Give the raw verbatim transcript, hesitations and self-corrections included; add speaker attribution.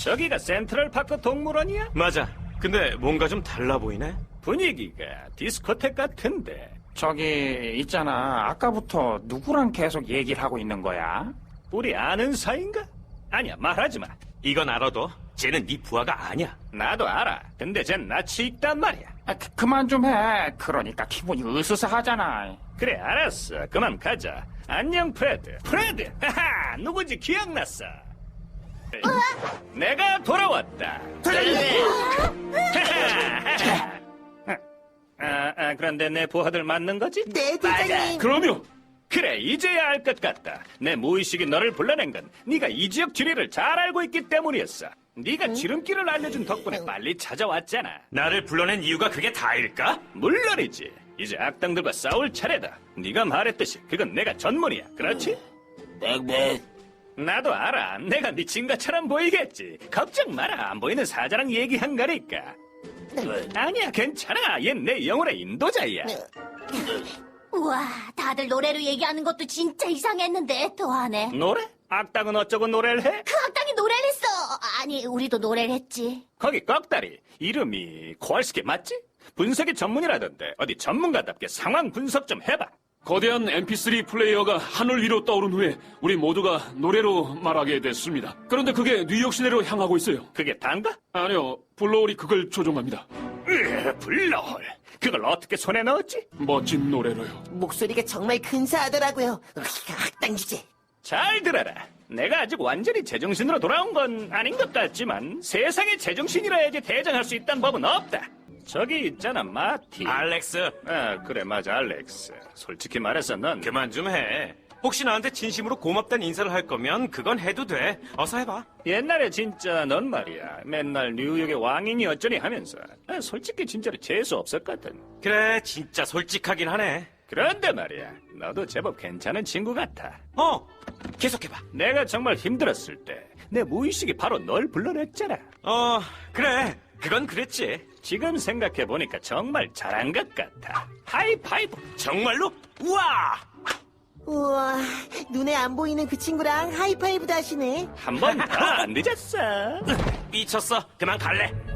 Speaker 1: 저기가 센트럴파크 동물원이야?
Speaker 2: 맞아. 근데 뭔가 좀 달라 보이네.
Speaker 1: 분위기가 디스코텍 같은데.
Speaker 3: 저기 있잖아. 아까부터 누구랑 계속 얘기를 하고 있는 거야?
Speaker 1: 우리 아는 사이인가? 아니야, 말하지 마.
Speaker 2: 이건 알아도 쟤는 네 부하가 아니야.
Speaker 1: 나도 알아. 근데 쟨 낯이 익단 말이야.
Speaker 3: 아, 그, 그만 좀 해. 그러니까 기분이 으스스하잖아.
Speaker 1: 그래, 알았어. 그만 가자. 안녕, 프레드. 프레드! 하하! 누군지 기억났어. 내가 돌아왔다. 하하! 아, 아, 그런데 내 부하들 맞는 거지?
Speaker 4: 네, 대장님.
Speaker 2: 그럼요.
Speaker 1: 그래, 이제야 알 것 같다. 내 무의식이 너를 불러낸 건 네가 이 지역 지리를 잘 알고 있기 때문이었어. 네가 지름길을 알려준 덕분에 빨리 찾아왔잖아.
Speaker 2: 나를 불러낸 이유가 그게 다일까?
Speaker 1: 물론이지. 이제 악당들과 싸울 차례다. 네가 말했듯이 그건 내가 전문이야. 그렇지?
Speaker 4: 네.
Speaker 1: 나도 알아. 내가 미친 것처럼 보이겠지. 걱정 마라. 안 보이는 사자랑 얘기한 거니까. 아니야, 괜찮아. 얜 내 영혼의 인도자야.
Speaker 5: 우와, 다들 노래로 얘기하는 것도 진짜 이상했는데 더하네.
Speaker 1: 노래? 악당은 어쩌고 노래를 해?
Speaker 5: 그 악당이 노래를 했어. 아니, 우리도 노래를 했지.
Speaker 1: 거기 꺽다리. 이름이 코알스키 맞지? 분석이 전문이라던데 어디 전문가답게 상황 분석 좀 해봐.
Speaker 6: 거대한 엠피쓰리 플레이어가 하늘 위로 떠오른 후에 우리 모두가 노래로 말하게 됐습니다. 그런데 그게 뉴욕 시내로 향하고 있어요.
Speaker 1: 그게 단가?
Speaker 6: 아니요, 블로홀이 그걸 조종합니다.
Speaker 1: 으, 블러홀. 그걸 어떻게 손에 넣었지?
Speaker 6: 멋진 노래로요.
Speaker 4: 목소리가 정말 근사하더라고요. 으이, 악당 주제.
Speaker 1: 잘 들어라. 내가 아직 완전히 제정신으로 돌아온 건 아닌 것 같지만 세상에 제정신이라야지 대장할 수 있다는 법은 없다. 저기 있잖아, 마티.
Speaker 2: 알렉스,
Speaker 1: 아, 그래, 맞아, 알렉스. 솔직히 말해서 넌
Speaker 2: 그만 좀 해. 혹시 나한테 진심으로 고맙다는 인사를 할 거면 그건 해도 돼. 어서 해봐.
Speaker 1: 옛날에 진짜 넌 말이야. 맨날 뉴욕의 왕인이 어쩌니 하면서 아, 솔직히 진짜로 재수 없었거든.
Speaker 2: 그래, 진짜 솔직하긴 하네.
Speaker 1: 그런데 말이야, 너도 제법 괜찮은 친구 같아.
Speaker 2: 어, 계속해봐.
Speaker 1: 내가 정말 힘들었을 때 내 무의식이 바로 널 불러냈잖아.
Speaker 2: 어, 그래. 그건 그랬지.
Speaker 1: 지금 생각해보니까 정말 잘한 것 같아. 하이파이브.
Speaker 2: 정말로? 우와!
Speaker 4: 우와, 눈에 안 보이는 그 친구랑 하이파이브도 하시네.
Speaker 1: 한 번 더 안 늦었어.
Speaker 2: 미쳤어. 그만 갈래.